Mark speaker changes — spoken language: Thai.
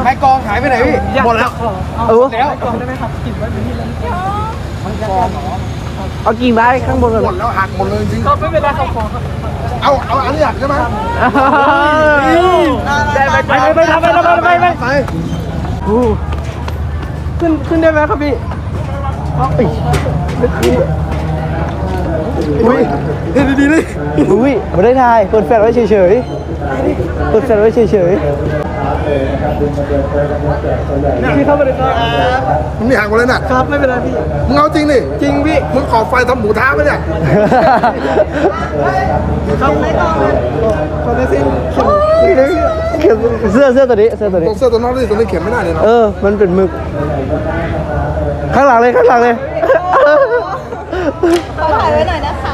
Speaker 1: ม้กองหายไปไหนพี่หมดแล้ว
Speaker 2: แล้วกองได้ไหมครับกิ่งไว้เป็นที่แล้วเอากิ่งไม้ข้างบนก่อน
Speaker 1: หมดแล้วหักหมดเลยจริง
Speaker 2: ก็ไม่เป็นไรครับขอครับ
Speaker 1: เอาอันนี้หักใช่ไหม
Speaker 2: ไปทำไปขึ้นได้ไหมครับพี่อุ้ยดีเลยอุ้ยไม่ได้ถ่ายเปิดแฟลชไว้เฉยๆเปิดแฟลชไว้เฉยๆพี่เข้าไปเลยครับ
Speaker 1: มันไม่หักหมดเลยน่ะ
Speaker 2: ครับไม่เป็นไรพี่
Speaker 1: มึงเอาจริงดิ
Speaker 2: จริงพี่
Speaker 1: มึงขอไฟทำหมูท้าไหมเนี่ย
Speaker 2: ครับขอได้สิเสื้อตัวนี้
Speaker 1: ตรงเสื้อตัวน้องนี่ตัวนี้เข็มไม่ได้เลยเนาะ
Speaker 2: มันเป็นหมึกข้างหลังเลย
Speaker 3: ขอถ่ายไว้หน่อยนะคะ